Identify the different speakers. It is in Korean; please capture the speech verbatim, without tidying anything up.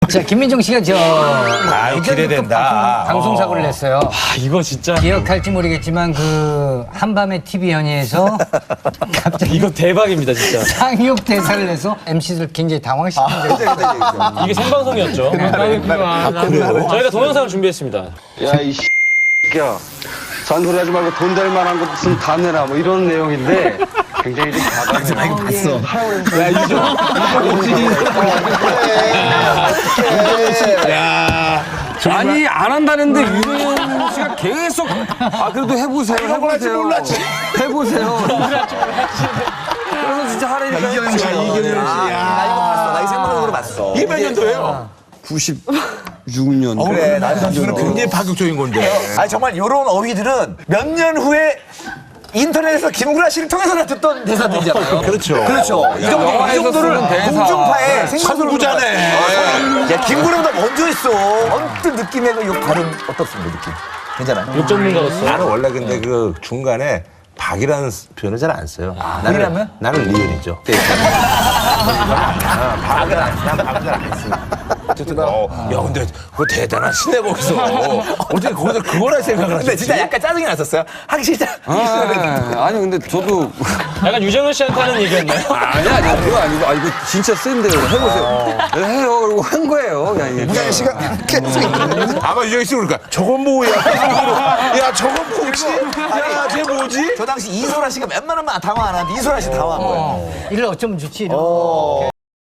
Speaker 1: 자, 김민종 씨가 저
Speaker 2: 아유,
Speaker 1: 예전에
Speaker 2: 기대된다.
Speaker 1: 또 방송 사고를 냈어요.
Speaker 3: 아, 이거 진짜.
Speaker 1: 기억할지 모르겠지만 그 한밤의 티비 연예에서 갑자기
Speaker 3: 이거 대박입니다, 진짜.
Speaker 1: 상륙 대사를 내서 엠씨들 굉장히 당황시킨 적이 있어요.
Speaker 3: 이게 생방송이었죠. 저희가 동영상을 준비했습니다.
Speaker 4: 야, 이 새끼야. 잔소리 하지 말고 돈 될 만한 것 있으면 다 내라. 뭐 이런 내용인데 굉장히 좀 과감해. 나 이거 봤어. 야, 이거.
Speaker 5: 아니 안 한다는데 유동현 씨가 계속 아 그래도 해보세요 해보세요 해보세요 그래서 진짜 하라니까
Speaker 2: 이경영 씨, 이경영 씨.
Speaker 6: 나 이거 봤어. 나 이 생방송으로 봤어.
Speaker 2: 이게 몇 년도예요?
Speaker 4: 구십육 년.
Speaker 6: 그래, 나
Speaker 2: 이거는 굉장히 파격적인 건데.
Speaker 6: 아니 정말 이런 어휘들은 몇 년 후에 인터넷에서 김구라 씨를 통해서나 듣던 대사들이잖아요.
Speaker 2: 그렇죠.
Speaker 6: 그렇죠. 이 정도 이
Speaker 5: 영화에서
Speaker 6: 정도를
Speaker 5: 쓰는 대사.
Speaker 6: 공중파에
Speaker 2: 선구자네.
Speaker 6: 야 김구라보다 먼저 했어. 언뜻 느낌의 그 욕 발음 어떻습니까 느낌? 괜찮아요?
Speaker 3: 욕 전문가로서.
Speaker 2: 나는 원래 근데 그 중간에 박이라는 표현을 잘 안 써요.
Speaker 6: 박이라면?
Speaker 2: 나는 리얼이죠. 아, 박은 안, 난 박은 잘 안 씁니다. 어쨌든, 어, 야, 근데 그거 대단하시네, 거기서. 어떻게 거기서 그거나 생각을 하셨지?
Speaker 6: 근데 진짜 약간 짜증이 났었어요. 하기 싫다.
Speaker 5: 아, 아니 근데 저도
Speaker 3: 약간 유정현 씨한테 하는 얘기였나요?
Speaker 5: 아니 아니 그거 아니고 아 이거 진짜 센데요 해보세요 네, 해요 그리고 한 거예요 그냥 이게.
Speaker 2: 유정현 씨가 아마 유정현 씨 그러니까 저건 뭐야? 야, 저건 뭐지? 야, 쟤 뭐지?
Speaker 6: 저 당시 이소라 씨가 웬만하면 당황 안 하는데 이소라 씨 당황한 거예요.
Speaker 1: 이를 어쩌면 좋지. 이런.